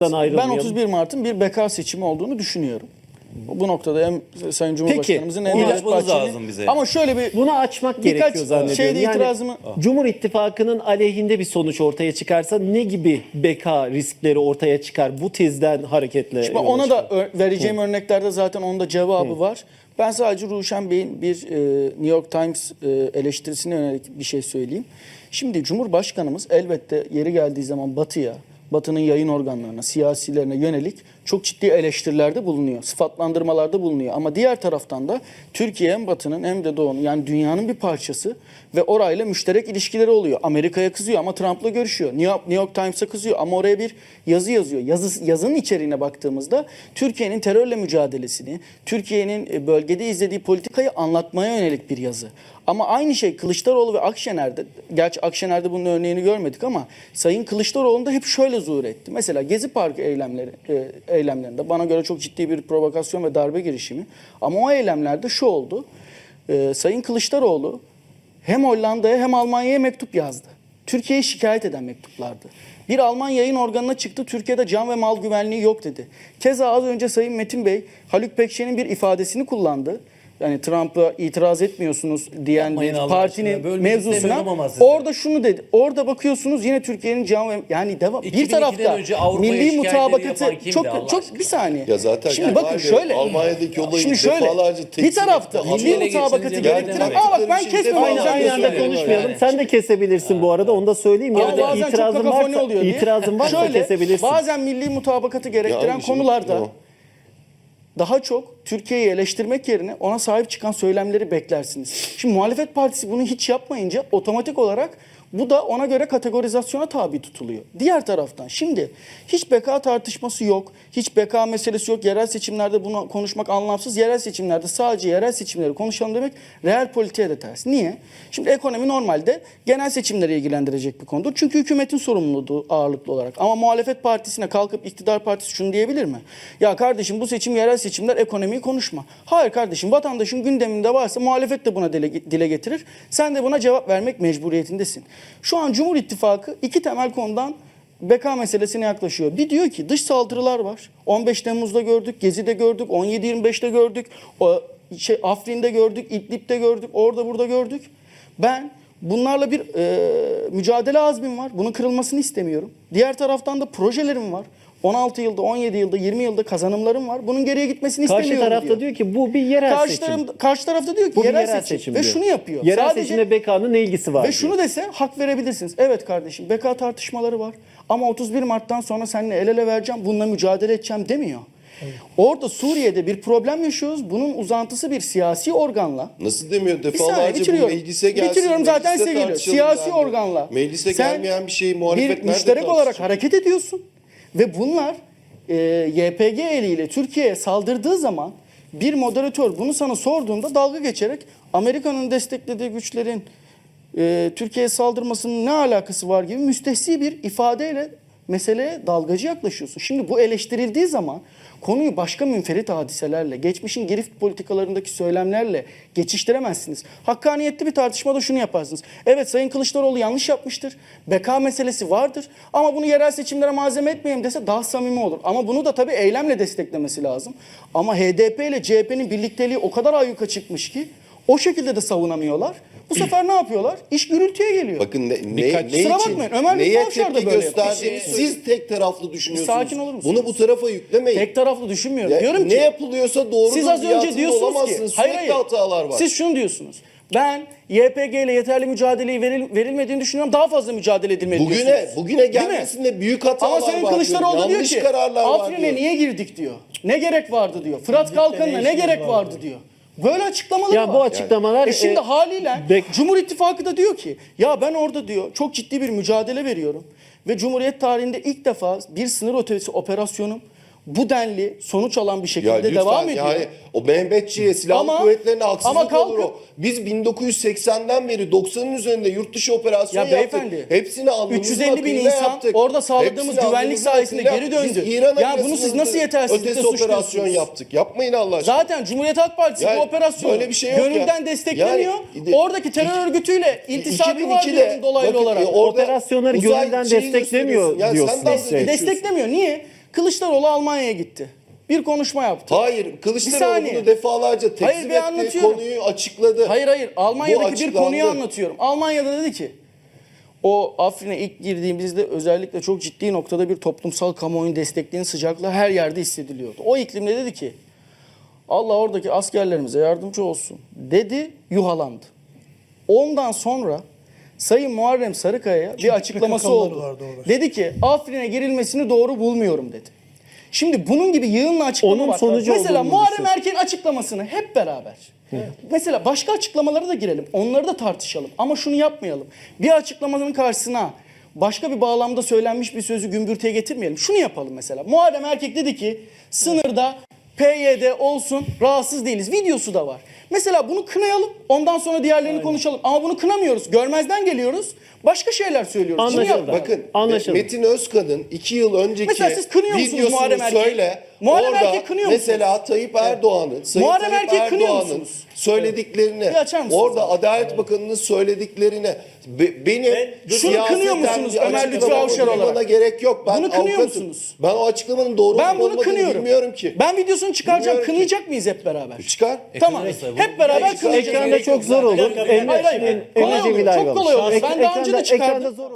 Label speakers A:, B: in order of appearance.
A: Ben 31 Mart'ın bir beka seçimi olduğunu düşünüyorum. Bu noktada hem Sayın Cumhurbaşkanımızın hem Devlet Bahçeli'nin ama şöyle bir
B: bunu açmak gerekiyor zannediyorum.
A: Şeyde itirazımı
B: Cumhur İttifakı'nın aleyhinde bir sonuç ortaya çıkarsa ne gibi beka riskleri ortaya çıkar bu tezden hareketle?
A: Şimdi ona da vereceğim örneklerde zaten onun da cevabı var. Ben sadece Ruşen Bey'in bir New York Times eleştirisine yönelik bir şey söyleyeyim. Şimdi Cumhurbaşkanımız elbette yeri geldiği zaman Batı'nın yayın organlarına, siyasilerine yönelik çok ciddi eleştirilerde bulunuyor. Sıfatlandırmalarda bulunuyor. Ama diğer taraftan da Türkiye hem Batı'nın hem de Doğu'nun yani dünyanın bir parçası ve orayla müşterek ilişkileri oluyor. Amerika'ya kızıyor ama Trump'la görüşüyor. New York Times'a kızıyor ama oraya bir yazı yazıyor. Yazının içeriğine baktığımızda Türkiye'nin terörle mücadelesini, Türkiye'nin bölgede izlediği politikayı anlatmaya yönelik bir yazı. Ama aynı şey Kılıçdaroğlu ve Akşener'de, gerçi Akşener'de bunun örneğini görmedik ama Sayın Kılıçdaroğlu'nda hep şöyle zuhur etti. Mesela Gezi Parkı eylemlerinde bana göre çok ciddi bir provokasyon ve darbe girişimi. Ama o eylemlerde şu oldu. Sayın Kılıçdaroğlu hem Hollanda'ya hem Almanya'ya mektup yazdı. Türkiye'yi şikayet eden mektuplardı. Bir Alman yayın organına çıktı. Türkiye'de can ve mal güvenliği yok dedi. Keza az önce Sayın Metin Bey Haluk Pekşen'in bir ifadesini kullandı. Yani Trump'a itiraz etmiyorsunuz diyen partinin mevzusuna orada şunu dedi. Orada bakıyorsunuz yine Türkiye'nin yani devam bir tarafta milli mutabakatı çok bir saniye.
C: Ya zaten
A: şimdi bakın şöyle.
C: Almanya'daki olayı
A: şimdi şöyle bir tarafta milli mutabakatı gerektiren bak ben kesmem
B: aynı anda konuşmayalım. Sen de kesebilirsin bu arada onu da söyleyeyim ya da itirazın varsa kesebilirsin.
A: Bazen milli mutabakatı gerektiren konularda daha çok Türkiye'yi eleştirmek yerine ona sahip çıkan söylemleri beklersiniz. Şimdi muhalefet partisi bunu hiç yapmayınca otomatik olarak bu da ona göre kategorizasyona tabi tutuluyor. Diğer taraftan şimdi hiç beka tartışması yok. Hiç beka meselesi yok. Yerel seçimlerde bunu konuşmak anlamsız. Yerel seçimlerde sadece yerel seçimleri konuşalım demek reel politiğe de ters. Niye? Şimdi ekonomi normalde genel seçimleri ilgilendirecek bir konudur. Çünkü hükümetin sorumluluğu ağırlıklı olarak. Ama muhalefet partisine kalkıp iktidar partisi şunu diyebilir mi? Ya kardeşim bu seçim yerel seçimler ekonomiyi konuşma. Hayır kardeşim vatandaşın gündeminde varsa muhalefet de buna dile getirir. Sen de buna cevap vermek mecburiyetindesin. Şu an Cumhur İttifakı iki temel konudan beka meselesine yaklaşıyor. Bir diyor ki dış saldırılar var. 15 Temmuz'da gördük, Gezi'de gördük, 17-25'te gördük, Afrin'de gördük, İdlib'de gördük, orada burada gördük. Ben bunlarla bir mücadele azmim var. Bunun kırılmasını istemiyorum. Diğer taraftan da projelerim var. 16 yılda, 17 yılda, 20 yılda kazanımlarım var. Bunun geriye gitmesini istemiyorum diyor.
B: Karşı tarafta diyor ki bu bir yerel seçim.
A: Karşı tarafta diyor ki
B: bu
A: yerel seçim. Ve şunu yapıyor.
B: Yerel seçimle BK'nın ne ilgisi var?
A: Ve şunu dese hak verebilirsiniz. Evet kardeşim BK tartışmaları var. Ama 31 Mart'tan sonra seninle el ele vereceğim, bununla mücadele edeceğim demiyor. Evet. Orada Suriye'de bir problem yaşıyoruz. Bunun uzantısı bir siyasi organla.
C: Nasıl demiyor? Defalarca bu meclise gelsin.
A: Bitiriyorum zaten size geliyor. Siyasi organla.
C: Meclise gelmeyen bir şeyi muhalefet
A: bir müşterek olarak hareket ediyorsun. Ve bunlar YPG eliyle Türkiye'ye saldırdığı zaman bir moderatör bunu sana sorduğunda dalga geçerek Amerika'nın desteklediği güçlerin Türkiye'ye saldırmasının ne alakası var gibi müstehsi bir ifadeyle meseleye dalgacı yaklaşıyorsun. Şimdi bu eleştirildiği zaman konuyu başka münferit hadiselerle, geçmişin girift politikalarındaki söylemlerle geçiştiremezsiniz. Hakkaniyetli bir tartışmada şunu yaparsınız. Evet Sayın Kılıçdaroğlu yanlış yapmıştır. Beka meselesi vardır. Ama bunu yerel seçimlere malzeme etmeyeyim dese daha samimi olur. Ama bunu da tabii eylemle desteklemesi lazım. Ama HDP ile CHP'nin birlikteliği o kadar ayyuka çıkmış ki o şekilde de savunamıyorlar. Bu sefer ne yapıyorlar? İş gürültüye geliyor.
C: Bakın ne
A: kusura bakmayın. Ömer
C: neye tepki gösterdiğini siz tek taraflı düşünüyorsunuz.
A: Sakin olur musunuz?
C: Bunu bu tarafa yüklemeyin.
A: Tek taraflu düşünmüyorum. Diyorum ki
C: ne yapılıyorsa doğrudur.
A: Siz az önce diyorsunuz ki
C: hayır, hatalar var.
A: Siz şunu diyorsunuz. Ben YPG ile yeterli mücadeleyi verilmediğini düşünüyorum. Daha fazla mücadele edilmediğini
C: Bugüne gelmesinde büyük hatalar var.
A: Ama Sayın Kılıçdaroğlu diyor ki Afrin'e niye girdik diyor. Ne gerek vardı diyor. Fırat Kalkanı'na ne gerek vardı diyor. Böyle açıklamalar var.
B: Bu açıklamalar
A: şimdi haliyle Cumhur İttifakı da diyor ki ya ben orada diyor çok ciddi bir mücadele veriyorum ve Cumhuriyet tarihinde ilk defa bir sınır ötesi operasyonum bu denli sonuç alan bir şekilde devam ediyor. Yani
C: o Mehmetçiğe silahlı kuvvetlerine haksızlık olur o. Biz 1980'den beri 90'ın üzerinde yurt dışı operasyon yaptık. Hepsini alnımızın
A: 350 bin insan
C: yaptık.
A: Orada sağladığımız güvenlik sayesinde geri döndü. Ya bunu siz nasıl yetersizlikle
C: operasyon yaptık. Yapmayın Allah aşkına.
A: Zaten Cumhuriyet Halk Partisi bu operasyonu gönülden desteklemiyor. Oradaki terör örgütüyle iltisakı var diyorum dolaylı olarak.
B: Operasyonları gönülden desteklemiyor diyorsunuz.
A: Desteklemiyor. Niye? Kılıçdaroğlu Almanya'ya gitti. Bir konuşma yaptı.
C: Hayır,
A: Bir
C: Kılıçdaroğlu
A: saniye.
C: bunu defalarca
A: Hayır,
C: tekzip
A: bir
C: etti,
A: anlatıyorum.
C: konuyu açıkladı.
A: Hayır.
C: Bu
A: Almanya'daki bir
C: açıklandı.
A: konuyu anlatıyorum. Almanya'da dedi ki o Afrin'e ilk girdiğimizde özellikle çok ciddi noktada bir toplumsal kamuoyun destekliğinin sıcaklığı her yerde hissediliyordu. O iklimde dedi ki Allah oradaki askerlerimize yardımcı olsun dedi, yuhalandı. Ondan sonra Sayın Muharrem Sarıkaya'ya bir açıklaması
D: PKK'lılar
A: oldu.
D: vardı orada.
A: Dedi ki Afrin'e girilmesini doğru bulmuyorum dedi. Şimdi bunun gibi yığınla açıklama
B: Onun
A: var.
B: sonucu
A: Mesela
B: olduğunu
A: Muharrem
B: düşün.
A: Erkek'in açıklamasını hep beraber. Mesela başka açıklamalara da girelim. Onları da tartışalım. Ama şunu yapmayalım. Bir açıklamanın karşısına başka bir bağlamda söylenmiş bir sözü gümbürtüye getirmeyelim. Şunu yapalım mesela. Muharrem Erkek dedi ki sınırda PYD olsun, rahatsız değiliz. Videosu da var. Mesela bunu kınayalım. Ondan sonra diğerlerini konuşalım. Ama bunu kınamıyoruz. Görmezden geliyoruz. Başka şeyler söylüyoruz. Şunu
B: Anlaşıldı.
A: yapalım.
C: Bakın
B: Anlaşıldı.
C: Metin Özkan'ın 2 yıl önceki
A: Mesela siz kınıyor musunuz
C: videosunu
A: Muharrem Erkek'i?
C: söyle.
A: Muharrem
C: Orada
A: Erkek'i kınıyor
C: mesela Tayyip Erdoğan'ın, Sayın
A: Muharrem
C: Tayyip
A: Erkek'i kınıyor
C: Erdoğan'ın
A: musunuz?
C: söylediklerini,
A: Bir açar mısınız
C: orada
A: abi?
C: Adalet Bakanı'nın söylediklerini benim
A: Şunu
C: siyaseten
A: kınıyor musunuz
C: bir
A: Ömer Lütfi
C: açıklama
A: Avşar olarak?
C: bulmana gerek yok. Ben
A: Bunu kınıyor
C: avukatım.
A: musunuz?
C: Ben o açıklamanın doğru
A: Ben
C: olup
A: bunu
C: olmadığını
A: kınıyorum.
C: bilmiyorum ki.
A: Ben videosunu çıkaracağım.
C: Bilmiyorum ki.
A: Kınayacak mıyız hep beraber?
C: Çıkar.
A: Tamam. Hep beraber kınayacağız.
B: Ekranda çok zor olur.
A: Hayır, hayır. Kolay olur, çok kolay olur. Ben daha önce de çıkardım.
B: Ekranda zor